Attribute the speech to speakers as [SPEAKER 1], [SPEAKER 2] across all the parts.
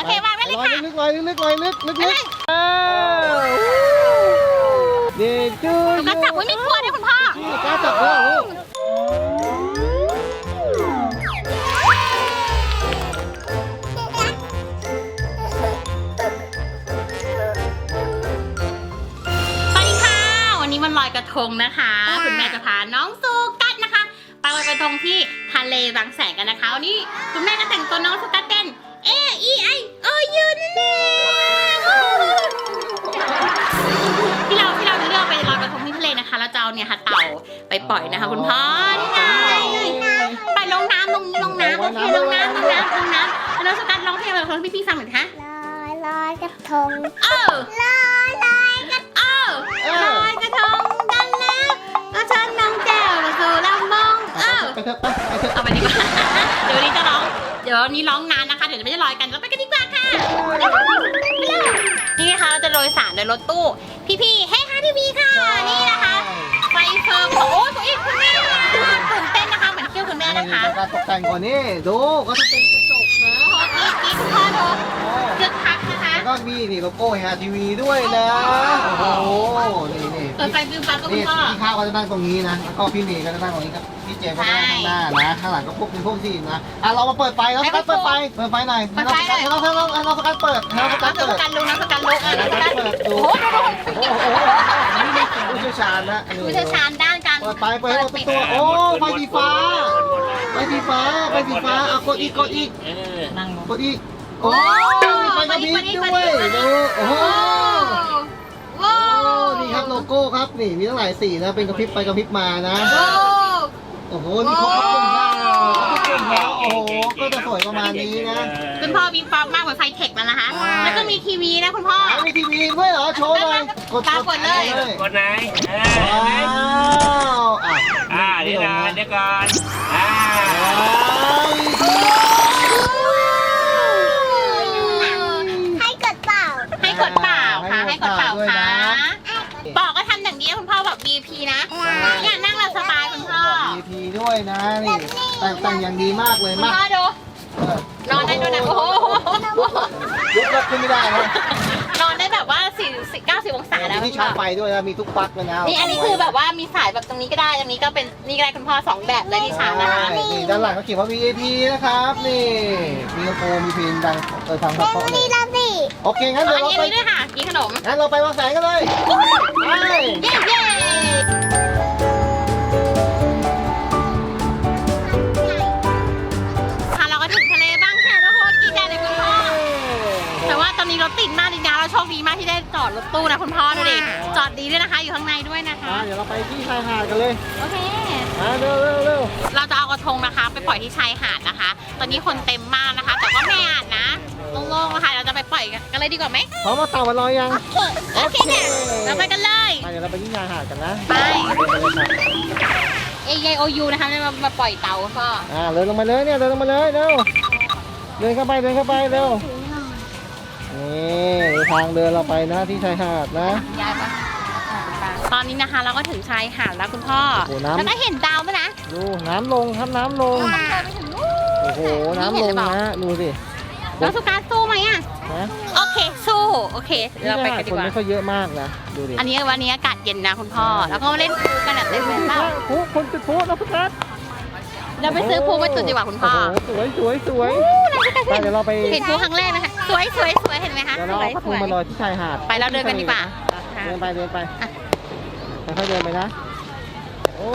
[SPEAKER 1] อเควางไว้เลยค่ะ
[SPEAKER 2] ลอยลึกเด็กจุ๊ย
[SPEAKER 1] กระจับไว้ไม่กลัวด้วยคุณพ่อ
[SPEAKER 2] กล้าจับด้วยลูก
[SPEAKER 1] สวัสดีค่ะวันนี้วันลอยกระทงนะคะคุณแม่จะพาน้องสุกัสนะคะไปลอยกระทงที่ทะเลบางแสนกันนะคะวันนี้คุณแม่ก็แต่งตัวน้องสุกัสเป็นAEIOU นั่นเองที่เราจะเลือกไปลอยกระทงที่ทะเลนะคะแล้วจะเอาเนี่ยค่ะเต่าไปปล่อยนะคะคุณพ่อนี่ไงไปลงน้ำโอเคลงน้ำแล้วน้องสุกัสร้องเพลงแบบของพี่ฟังหน่อยคะ
[SPEAKER 3] ลอยกระทง
[SPEAKER 1] ลอยกระทงกันแล้วก็เชิญน้องแก้วมาสู่ลำบอง
[SPEAKER 2] ไปเถอะ
[SPEAKER 1] เอาไปดีกว่าเดี๋ยวนี้ร้องนานนะคะเดี๋ยวจะไม่ได้ลอยกันแล้วไปกันดีกว่าค่ะนี่นะคะเราจะโดยสารโดยรถตู้พี่เฮ้ค่ะทีวีค่ะนี่นะคะไฟเฟิร์มโอ้ตัวอีกคุณแม่ตื่นเต้นนะคะเหมือนเที่ยวคุณแม่นะคะ
[SPEAKER 2] การตกแต่งก่อนนี่ดูก็จะเป็นกระจกนะ
[SPEAKER 1] กิ๊กพ่อดูเชือกพักนะคะ
[SPEAKER 2] แล้วก็มีนี่โลโก้ฮะทีวีด้วยนะโอ้โหนี่
[SPEAKER 1] เปิดไฟวิวฟ้าก็คุณพ่อ
[SPEAKER 2] พี่ข้าวก็จะนั่งตรงนี้นะแล้วก็พี่เนยก็จะนั่งตรงนี้ครับพี่เจมก็จะนั่งข้างหน้านะข้างหลังก็พวกเป็นพวกที่นะเรามาเปิดไฟแล้วสกัดเปิดไฟหน่อยเราสกัดเปิด
[SPEAKER 1] น้องสกัดลุกน้องสกัดโอ้โห
[SPEAKER 2] ผู้เชี่ยวชาญนะ
[SPEAKER 1] ผู้เชี่ยวชาญด้านการ
[SPEAKER 2] เปิดไฟเปิดตัวโอ้ไฟสีฟ้าเอากดอีกโอ้มีไฟกระพริบด้วยดูโอ้โหนี่ครับโลโก้ครับนี่มีตั้งหลายสีนะเป็นกระพริบไปกระพริบมานะโอ้โหนี่ครบทุกกลุ่มแล้วโอ้โหก็จะสวยประมาณนี้นะ
[SPEAKER 1] คุณพ่อมีปั๊บมากเหมือนไฟเทคแล้วนะคะแล้วก็มีทีวีนะคุณพ่อ
[SPEAKER 2] มีทีวีด้วยเหรอโชว์หน่อย
[SPEAKER 1] กดเลย
[SPEAKER 4] กดไหนนี่นะเดี๋ยวก่อน
[SPEAKER 1] ให้กดเปล่าค่ะบอกก็ทำอย่างนี้คุณพ่อแบบ VIP นะเนี่ยนั่งเราสบายคุณพ่อ
[SPEAKER 2] VIP ด้วยนะนี่แต่งอย่างดีมากเลยมาก
[SPEAKER 1] พ่อดูนอนได้ด้วยนะโอ้โห
[SPEAKER 2] ยกขึ้นไม่ได้นะ
[SPEAKER 1] นอนได้แบบว่า90 องศาแล้ว
[SPEAKER 2] มีชาร์จไฟด้วยนะมีทุกปลั๊กเลยนะ
[SPEAKER 1] นี่อันนี้คือแบบว่ามีสายแบบตรงนี้ก็ได้ตรงนี้ก็เป็นนี่ก็ได้คุณพ่อ2แบบเลยที่ชาร์จนะคะ
[SPEAKER 2] นี่ด้านหลังเขาเขียนว่า VIP นะครับนี่มีโลโก้มีพินดังทางเขาเลยโอเคงั้นเราไป
[SPEAKER 1] ด้วยค่ะกินขนม
[SPEAKER 2] งั้นเราไปวางแสงกันเลย
[SPEAKER 1] เย้เราก็ถึงทะเลบ้างแค่แล้วโคตรดีใจเลยคุณพ่อแต่ว่าตอนนี้รถติดมากจริงๆเราโชคดีมากที่ได้จอดรถตู้นะคุณพ่อดูดิจอดดีด้วยนะคะอยู่ข้างในด้วยนะคะ
[SPEAKER 2] เดี๋ยวเราไปที่ชายหาดกันเลย
[SPEAKER 1] โอเค
[SPEAKER 2] เร็ว
[SPEAKER 1] เราจะเอากระทงนะคะไปปล่อยที่ชายหาดนะคะตอนนี้คนเต็มมากนะคะแต่ก็ไม่อาดนะโล่งๆนะคะเราจะไปปล่อยกันเลยดีกว่าไหม
[SPEAKER 2] พร้อมมาเต่ามาลอยยัง
[SPEAKER 1] โอเคเนี่ยเราไปกันเลย
[SPEAKER 2] เดี๋ยวเราไปที่ชายหาดกันนะ
[SPEAKER 1] ไปAEIOU นะคะมาปล่อยเต่าก็
[SPEAKER 2] เดินลงมาเลยเนี่ยเดินลงมาเลยเร็วเดินเข้าไปเร็วนี่ทางเดินเราไปนะที่ชายหาดนะ
[SPEAKER 1] ตอนนี้นะคะเราก็ถึงชายหาดแล้วคุณพ่อแล้วก็เห็นดาวไหมนะ
[SPEAKER 2] ดูน้ำลงครับน้ำลงโอ้โหน้ำลงนะดูสิ
[SPEAKER 1] แล้วสุกัสสู้ไหมอ่ะโอเคสู้โอเคเราไปกันดีกว่า
[SPEAKER 2] คนไม่ค่อยเยอะมากนะดูดิ
[SPEAKER 1] วันนี้อากาศเย็นนะคุณพ่อแล้วก็มาเล่นพูกันแบบเต็มเลยเปล่า
[SPEAKER 2] คนจุดพูนะสุกัส
[SPEAKER 1] เราไปซื้อพูมาจุดดีกว่าคุณพ่อ
[SPEAKER 2] สวยเดี๋ยวเราไป
[SPEAKER 1] เห็นพูครั้งแรกนะคะสวยเห็นไหมคะ
[SPEAKER 2] เดี๋ยวเราเอาพูมาลอยที่ชายหาด
[SPEAKER 1] ไปเราเดินกันดีกว่า
[SPEAKER 2] เดินไปค่อยเดินไปนะโอ้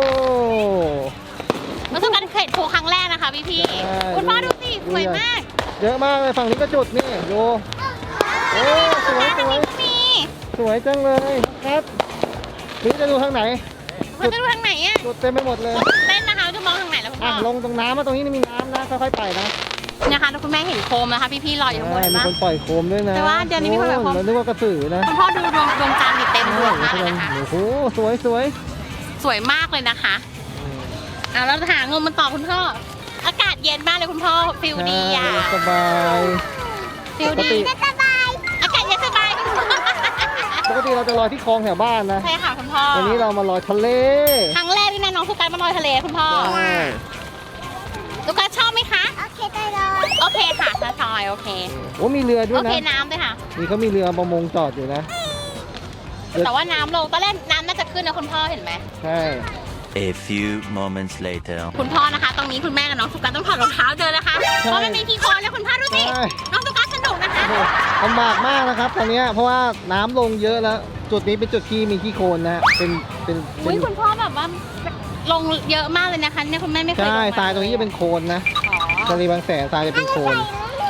[SPEAKER 1] มาสู้กันเห็นพูครั้งแรกนะคะพี่คุณพ่อดูสิสวยมาก
[SPEAKER 2] เยอะมากเลยฝั่งนี้ก็จุดนี่ดูโอ้สวยจังเลยครับนี่จะดูทางไหน
[SPEAKER 1] จะดูทางไหนอ่ะ
[SPEAKER 2] จุดเต็มไปหมดเลย
[SPEAKER 1] เต้นนะคะจะมองทางไหนแล้วคุณพ่อ
[SPEAKER 2] ลงตรงน้ำมาตรงนี้มีน้ำนะค่อยๆไปนะ
[SPEAKER 1] นะคะคุณแม่เห็นโคมนะคะพี่ลอยอยู่ข้างบน
[SPEAKER 2] มีคนปล่อยโคมด้วยนะ
[SPEAKER 1] แต่ว่าเดี๋ยวนี้มีคนปล่อยโคม
[SPEAKER 2] นึกว่ากระสือนะ
[SPEAKER 1] คุณพ่อดูดวงจันทร์เต็มดวงมากเลยนะคะ
[SPEAKER 2] โอ้โหสวย
[SPEAKER 1] มากเลยนะคะเราหางมมันต่อคุณพ่ออากาศเย็นมากเลยคุณพ่อฟิลดีอ่ะ
[SPEAKER 2] สบาย
[SPEAKER 1] ฟิลดีสบายอากาศเย็นสบาย
[SPEAKER 2] ปกติเราจะลอยที่คลองแถวบ้านนะ
[SPEAKER 1] ใช่ค่ะคุณพ่อ
[SPEAKER 2] วันนี้เรามาลอยทะเล
[SPEAKER 1] ครั้งแรกที่น้องสุกัสมาลอยทะเลคุณพ่อสุกัสชอบไหมคะ
[SPEAKER 3] โอเคได้เลย
[SPEAKER 1] โอเคค่ะทอยโอเค
[SPEAKER 2] โอ้มีเรือด้ว
[SPEAKER 1] โอย
[SPEAKER 2] นะ
[SPEAKER 1] เคน้ำด้วยค่ะ
[SPEAKER 2] นี่เขามีเรือประมงจอดอยู่นะ
[SPEAKER 1] แต่ว่าน้ำลงตอนแรกน้ำน่าจะขึ้นนะคุณพ่อเห็นไหม
[SPEAKER 2] ใช่
[SPEAKER 5] A few moments later.
[SPEAKER 1] คุณพ่อนะคะ ตรงนี้คุณแม่กับน้องสุกัสต้องถอดรองเท้าเดินนะคะ เพราะมันมีขี้โคลนแล้วคุณพ่อดูสิ
[SPEAKER 2] ใช่
[SPEAKER 1] น้องสุกัสสนุกนะคะ
[SPEAKER 2] โอ้โหลำบากมากนะครับตอนเนี้ยเพราะว่าน้ำลงเยอะแล้ว จุดนี้เป็นจุดที่มีขี้โคลนนะเป็น
[SPEAKER 1] อุ้ยคุณพ่อแบบว่าลงเยอะมากเลยนะคะเนี่ยคุณแม่ไม่เคยลง
[SPEAKER 2] ใช่
[SPEAKER 1] มา
[SPEAKER 2] ทรายตรงนี้จะเป็นโคลนนะ
[SPEAKER 1] อ๋อ
[SPEAKER 2] ทะเลบางแสนทรายจะเป็นโคลน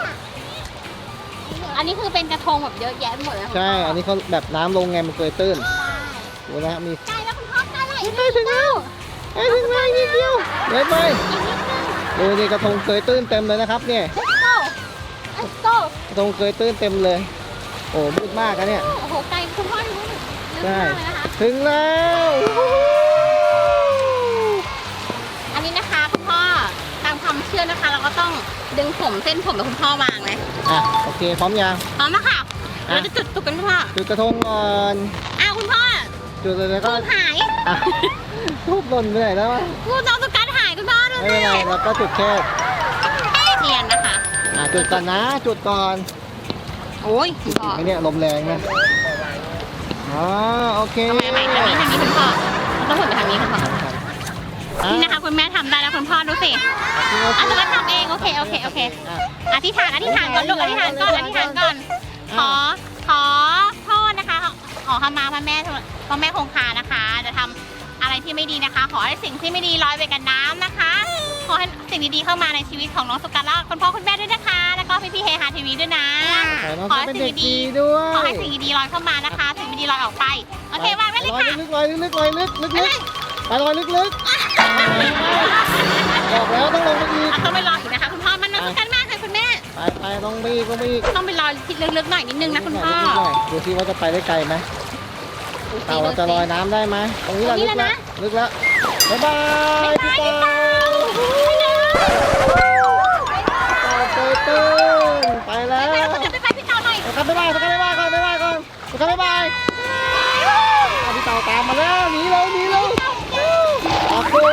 [SPEAKER 1] อันนี้คือเป็นกระทงแบบเยอะแยะไปหมดเลย
[SPEAKER 2] ใช่ อันนี้เขาแบบน้ำลงไงมันเกยตื้นดูนะฮะมี
[SPEAKER 1] ใช่แล้วคุณพ่อใกล้แล้วอีก
[SPEAKER 2] ไปถึงแล้วไปถึงแล้วนิดเดียวไปดูนี่กระทงเกยตื้นเต็มเลยนะครับเนี่ย
[SPEAKER 1] Let's go
[SPEAKER 2] กระทงเกยตื้นเต็มเลย โอ้มืดมากนะเนี่ย
[SPEAKER 1] โอ้โหไกลคุณพ่อรู้ลึก
[SPEAKER 2] ใช่
[SPEAKER 1] มากเลยนะคะ
[SPEAKER 2] ถึงแล้ว
[SPEAKER 1] อันนี้นะคะคุณพ่อตามความเชื่อนะคะ เราก็ต้องดึงผมเส้นผมแบบคุณพ่อวางไหม
[SPEAKER 2] อ่ะโอเคพร้อมยัง
[SPEAKER 1] พร้อมแล้วค่ะเราจะจุดตุกกันคุณพ่อ
[SPEAKER 2] จุดกระทงก่อน
[SPEAKER 1] อ้าวคุณพ่อ
[SPEAKER 2] จุดเลยแล้วก็
[SPEAKER 1] ทูบหาย
[SPEAKER 2] อ่ะทูบหล่นไปไหนแล้ววะ
[SPEAKER 1] ทูบน้องสุกัสหายคุณพ่อดู
[SPEAKER 2] ไม่
[SPEAKER 1] สิ
[SPEAKER 2] เป็นไรเราก็จุดแค่
[SPEAKER 1] เทียนนะคะ
[SPEAKER 2] จุดก่อนนะจุดก่อน
[SPEAKER 1] โอ้ยคุณพ่อ
[SPEAKER 2] ไอเนี่ยลมแรงนะอ๋อโอเค
[SPEAKER 1] ทำไมใหม่ทางนี้คุณพ่อเราต้องหมุนไปทางนี้คุณพ่อ
[SPEAKER 2] อ่
[SPEAKER 1] นี่นะคะคุณแม่ทำได้แล้วคุณพ่อดูสิอ่ะสุกัสทำเองโอเคโอเคโอเค
[SPEAKER 2] อ่ะ
[SPEAKER 1] อธิษฐานก่อนลูกอธิษฐานก่อนอธิษฐานก่อน ขอโทษนะคะขอขมาพระแม่คงคานะคะ จะทำอะไรที่ไม่ดีนะคะ ขอให้สิ่งที่ไม่ดีลอยไปกับน้ำนะคะ ขอให้สิ่งดีๆเข้ามาในชีวิตของน้องสุกัสและคุณพ่อคุณแม่ด้วยนะคะ แล้วก็พี่ๆเฮฮาทีวีด้วยนะ
[SPEAKER 2] ขอให้น้องเป็นเด็กดีด้วย
[SPEAKER 1] ขอให้สิ่งดีๆลอยเข้ามานะคะ สิ่งไม่ดีลอยออกไปโอเควางไว้เลย
[SPEAKER 2] ลอย
[SPEAKER 1] ค่ะ
[SPEAKER 2] ลึกลอยลึกลอยลึกลึกลึกไปลอยลึกลึกบอกแล้วต้องลงไปอีก
[SPEAKER 1] ต้องไปรออีกนะคะคุณพ่อมันน้องสุกัสมากค่ะคุณแม่
[SPEAKER 2] ไปต้องไปอีกต้องไปอีก
[SPEAKER 1] ต้องไปรอคิดลึกๆหน่อยนิดนึงนะคุณพ่อ
[SPEAKER 2] ดูซิว่าจะไปได้ไกลไหมเต่าเราจะลอยน้ำได้ไหมตรงนี้แหละลึกแล้วลึกแล้วบ๊ายบายพี่เต่าเตยตื้นไปแล้ว
[SPEAKER 1] ไปพี่เต่าหน่อย
[SPEAKER 2] ครับบ๊ายบายก่อนบ๊ายบายก่อนบ๊ายบายก่อนบ๊ายบายพี่เต่าตามมาแล้วหนีเลยออกตัว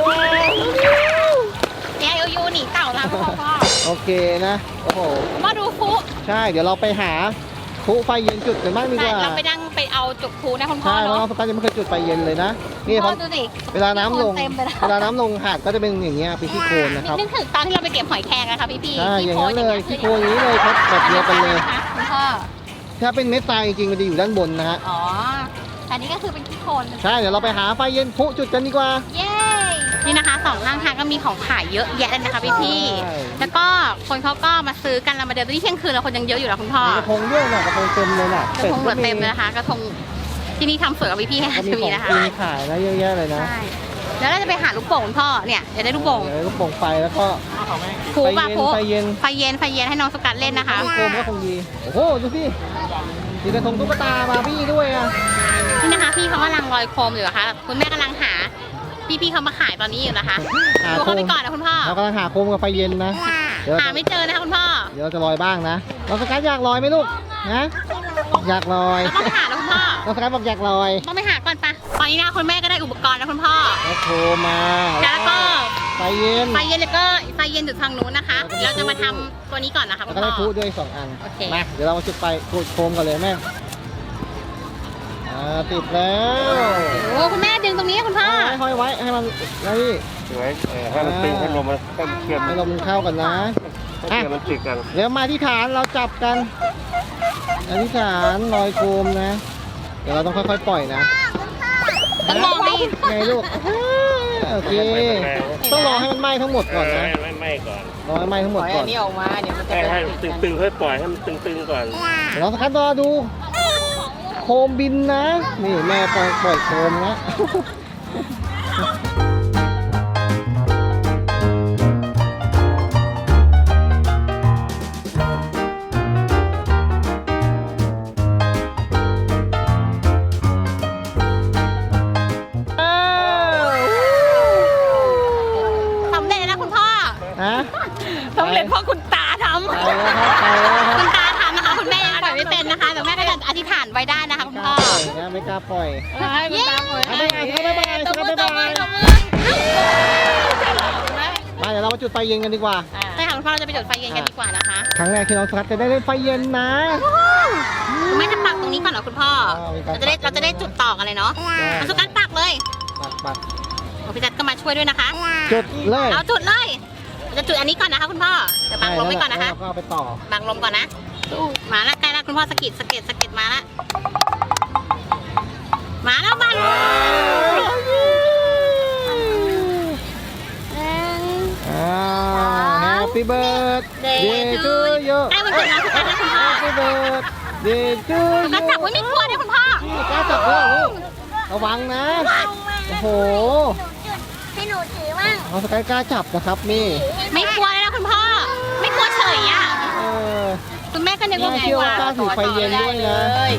[SPEAKER 1] เนี่ยยูหนีเต่าแล้วพ่อ
[SPEAKER 2] โอเคนะโอ้โห
[SPEAKER 1] มาดูฟุ
[SPEAKER 2] ใช่เดี๋ยวเราไปหาพลุไฟเย็นจุดกันบ้างดีก
[SPEAKER 1] ใช่
[SPEAKER 2] ว่า
[SPEAKER 1] เราไปนั่งไปเอาจุกฟุนะคุณพ่อ
[SPEAKER 2] ใช่เพราะ
[SPEAKER 1] เนาะ
[SPEAKER 2] น้องสกัดยังไม่เคยจุดไฟเย็นเลยนะนี่
[SPEAKER 1] พ่
[SPEAKER 2] เขา
[SPEAKER 1] อดูสิ
[SPEAKER 2] เวลาน้ำลง
[SPEAKER 1] เต็มไปแล้ว
[SPEAKER 2] เวลาน้ำลงหาดก็จะเป็นอย่างเงี้ยเป็นขี้โคลนนะครับ
[SPEAKER 1] นึกถึงตอนที่เราไปเก็บหอยแครงอะค่ะพี่ๆ
[SPEAKER 2] ใช่อย่างนั้นเลยขี้
[SPEAKER 1] ขี้
[SPEAKER 2] โคลนอย่างนี้เลยครับแบบเดียวกันเลย
[SPEAKER 1] คุณพ่อ
[SPEAKER 2] ถ้าเป็นเม็ดทรายจริงๆมันจะอยู่ด้านบนนะฮะ
[SPEAKER 1] อ๋อแต่นี่ก็คือเป็นขี้โคลน
[SPEAKER 2] ใช่เดี๋ยวเราไปหาไฟเย็นพลุจุดกันดีกว่า
[SPEAKER 1] เย้นี่นะคะสองข้างทางก็มีของขายเยอะแยะเลยนะคะพี่
[SPEAKER 2] ใช่
[SPEAKER 1] ๆแล้วก็คนเขาก็มาซื้อกันเรามาเดินตอนนี้เที่ยงคืนแล้วคนยังเยอะอยู่แล้วคุณพ่อ
[SPEAKER 2] มีกระทงด้วยน่ะกระทงเต็มเลยน่ะ
[SPEAKER 1] กระทงเหลือเต็มเลยนะคะกระทงที่นี่ทำสวยกับพี่ๆให้
[SPEAKER 2] ก็มี
[SPEAKER 1] ที
[SPEAKER 2] ข
[SPEAKER 1] วี
[SPEAKER 2] อง
[SPEAKER 1] นะคะ
[SPEAKER 2] กินขายนะเยอะแยะเลยนะ
[SPEAKER 1] ใช่แล้วเราจะไปหาลูกโป่งคุณพ่อเนี่ยอยากได้ลูกโป่ง
[SPEAKER 2] เดี๋ยวลูกโป่งไฟแล้วก็
[SPEAKER 1] ครูป่ะครู
[SPEAKER 2] ไฟเย็น
[SPEAKER 1] ไฟเย็นให้น้องสกัดเล่นนะคะ
[SPEAKER 2] ลูกโป่งก็คงดีโอ้โหดูสิมีกระทงตุ๊กตามาพี่ด้วยอ่ะ
[SPEAKER 1] นี่นะคะพี่เขากำลังลอยโคมอยู่นะคะคุณแม่กำลังหาพี่เขามาขายตอนนี้อยู่นะคะดูเขาไปก่อนนะคุณพ่อ
[SPEAKER 2] เรากำลังหาโคมกับไฟเย็นนะเดี๋ยว
[SPEAKER 1] หาไม่เจอนะคะคุณพ่อ
[SPEAKER 2] เดี๋ยวเราจะลอยบ้างนะน้องสกัดอยากลอยไหมลูกนะอยากลอย
[SPEAKER 1] เราต้องไปหาแล้วคุณพ่อ
[SPEAKER 2] น้องสกัดบอกอยากลอย
[SPEAKER 1] ต้องไปหาก่อนปะตอนนี้นะคุณแม่ก็ได้อุปกรณ์แล้วคุณพ่อ
[SPEAKER 2] แล้วโคมมา
[SPEAKER 1] แล้วก็
[SPEAKER 2] ไฟเย็น
[SPEAKER 1] ไฟเย็นแล้วก็ไฟเย็นอยู่ทางนู้นนะคะเราจะมาทำตัวนี้ก่อนนะคะ
[SPEAKER 2] แล้
[SPEAKER 1] คุ
[SPEAKER 2] ว
[SPEAKER 1] ณ
[SPEAKER 2] ก็
[SPEAKER 1] พ่
[SPEAKER 2] ได้
[SPEAKER 1] อ
[SPEAKER 2] พูดด้วย2 อัน
[SPEAKER 1] โอเค
[SPEAKER 2] มาเดี๋ยวเรามาจุดไฟจุดโคมกันเลยแม่ติดแล้ว
[SPEAKER 1] โอ้คุณแม่ดึงตรงนี้คุณพ่อ
[SPEAKER 2] ห้อยไว้ให้มันนี่
[SPEAKER 4] สวยให้มันตึงให้ลมมันให้มันเชื่อม
[SPEAKER 2] ให้ลมมันเข้ากันนะ
[SPEAKER 4] ให้เชื่อมมันติดกัน
[SPEAKER 2] เดี๋ยวมาที่ฐานเราจับกันอธิษฐานลอยโคมนะ เดี๋ยวเราต้องค่อยๆปล่อยนะ
[SPEAKER 1] ต้องมองให้
[SPEAKER 2] ไงลูกโอเคต้องรอให้มันไหม้ทั้งหมดก่อนนะ
[SPEAKER 4] ไม่ไหม้ก่อน
[SPEAKER 2] รอให้ไหม้ทั้งหมดก่อน
[SPEAKER 4] ให้ตึงๆค่อยปล่อยให้มันตึงๆก่อน
[SPEAKER 2] เดี๋ยวเราสักครั้งรอดู โคมบินนะ นี่แม่ปล่อยโคมนะ
[SPEAKER 1] สำเร็จแล้วนะคุณพ่อ
[SPEAKER 2] ฮะ
[SPEAKER 1] สำเร็จเพราะคุณตาทำ
[SPEAKER 2] ไปแล้วครับไปแล้วครับ
[SPEAKER 1] คุณตาทำนะคะคุณแม่ยังปล่อยไม่เป็นนะคะแต่แม่ก็จะอธิษฐานไว้ได้นะคะคุณพ่อ
[SPEAKER 2] ไม่กล้าปล่อย
[SPEAKER 1] เย้
[SPEAKER 2] บ๊ายบายตบมือ มาเดี๋ยวเรามาจุดไฟเย็นกันดีกว่า
[SPEAKER 1] ใช่ค่ะคุณคุณพ่อเราจะไปจุดไฟเย็นกันดีกว่านะคะ
[SPEAKER 2] ครั้งแรกที่น้องสกัดจะได้เล่นไฟเย็นนะ
[SPEAKER 1] คุณแม่จะปักตรงนี้ก่อนเหรอคุณพ่อ
[SPEAKER 2] มีการ
[SPEAKER 1] เราจะได้จุดต่อกันเลยเนาะเอาสุกัดปักเลย
[SPEAKER 2] ปัก
[SPEAKER 1] โอ้พี่จัดก็มาช่วยด้วยนะคะ
[SPEAKER 2] จุดเลย
[SPEAKER 1] เอาจุดเลยเราจะจุดอันนี้ก่อนนะคะคุณพ่อเดี๋ยวบังลมไว้ก่อนนะคะ
[SPEAKER 2] แล้วก็เอาไปต่อ
[SPEAKER 1] บังลมก่อนนะมาแล้วใกล้แล้วคุณพ่อสะกิดมาแล้วมาแล้วมาแล้ว
[SPEAKER 2] Happy birthday to you
[SPEAKER 1] ใกล้วันเกิดน้องสุกัดแล้วคุณพ่อ
[SPEAKER 2] Happy birthday to
[SPEAKER 1] สุกัด
[SPEAKER 2] you
[SPEAKER 1] จับไว้ไม่กลัวด้วยคุณพ่อ
[SPEAKER 2] นี่กล้าจับด้วยลูกระวังนะ โอ้โห
[SPEAKER 3] ให้หนูถือมั่ง
[SPEAKER 2] น้องสกายกล้าจับนะครับนี่
[SPEAKER 1] ไม่กลัวเลยนะคุณพ่อ ไม่กลัวเฉยอ่ะ
[SPEAKER 2] เออ
[SPEAKER 1] คุณแม่ก็นึกว่า
[SPEAKER 2] แม่เชื่อว่ากล้าถือไฟเย็นด้วยนะ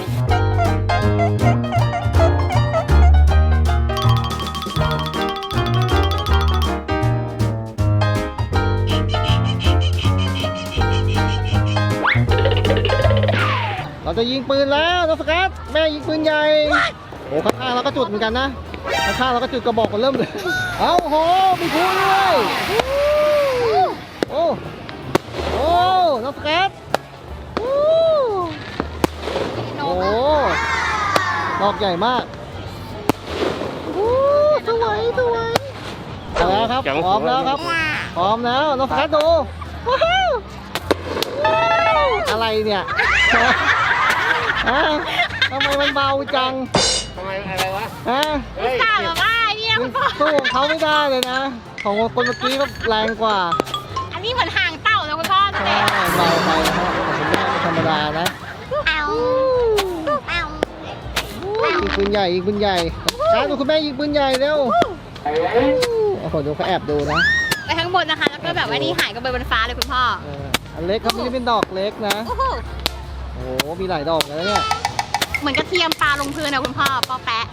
[SPEAKER 2] เราจะยิงปืนแล้วน้องสกัดแม่ยิงปืนใหญ่โอ้ข้างๆเราก็จุดเหมือนกันนะข้างๆเราก็จุดกระบอกกันเริ่มเลยเอาโหมีพลุด้วยโอ้โอ้น้องสกัดโอ้โหดอกใหญ่มากโอ้สวยเอาแล้วครับพร้อมแล้วครับพร้อมแล้วน้องสกัดดูว้าวอะไรเนี่ยฮะทำไมมันเบาจัง
[SPEAKER 4] ทำไมอะไรวะ
[SPEAKER 2] ฮะ
[SPEAKER 4] เฮ้ย
[SPEAKER 1] กล่าวแบบว่าเนี่ยคุณพ่อ
[SPEAKER 2] สู้ของเขาไม่ได้เลยนะ ของคนเมื่อกี้ก็แรงกว่า
[SPEAKER 1] อันนี้เหมือนห่างเต่าเลยคุณพ่อดู
[SPEAKER 2] ใช่
[SPEAKER 1] ดิ
[SPEAKER 2] เบาไปนะฮะของคุณแม่ก็ธรรมดานะ
[SPEAKER 3] เอาเอา
[SPEAKER 2] ยิงปืนใหญ่ยิงปืนใหญ่การดูคุณแม่ยิงปืนใหญ่เร็วโอ้โหดูเขาแอบดูนะ
[SPEAKER 1] ไปข้างบนนะคะ แล้วก็แบบว่านี่หายกันไปบนฟ้าเลยคุณพ่อ
[SPEAKER 2] อันเล็กเขาไม่ได้เป็นดอกเล็กนะ
[SPEAKER 1] โอ้โห
[SPEAKER 2] โอ้โหมีหลายดอกนะเนี่ย
[SPEAKER 1] เหมือนกระเทียมปลาลงพื้นนะคุณพ่อปอแปะ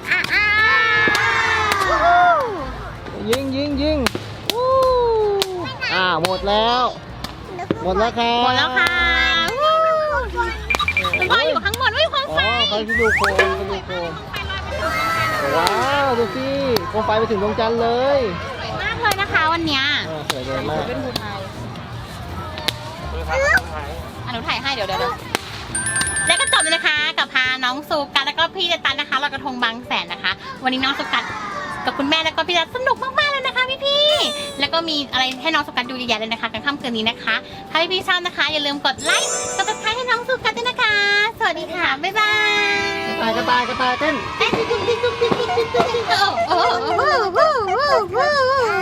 [SPEAKER 2] ยิงหมดแล้วครับ
[SPEAKER 1] หมดแล้วค่ะคุณพ่ออยู่ข้างบนไม่ความ
[SPEAKER 2] อ๋อ
[SPEAKER 1] ไฟ
[SPEAKER 2] เขาที่ดูโคมว้าวดูสิโคมไฟไปถึงดวงจันทร์เลย
[SPEAKER 1] สวยมากเลยนะคะวันเนี้ย
[SPEAKER 2] สวยเลยมาก
[SPEAKER 1] หนูถ่ายให้เดี๋ยวแล้วก็จบเลยนะคะกับพาน้องสุกัสแล้วก็พี่เจตันนะคะลอยกระทงบางแสนนะคะ วันนี้น้องสุกัสกับคุณแม่แล้วก็พี่เจตันสนุกมากๆเลยนะคะพี่ๆแล้วก็มีอะไรให้น้องสุกัสดูเยอะแยะเลยนะคะกันค่ำคืนนี้นะคะถ้าพี่ๆชอบนะคะอย่าลืมกดไลค์กดติดตามให้น้องสุกัสด้วยนะคะ สวัสดีค่ะบ๊ายบาย
[SPEAKER 2] กระต่ายเต้น
[SPEAKER 1] โอ้โห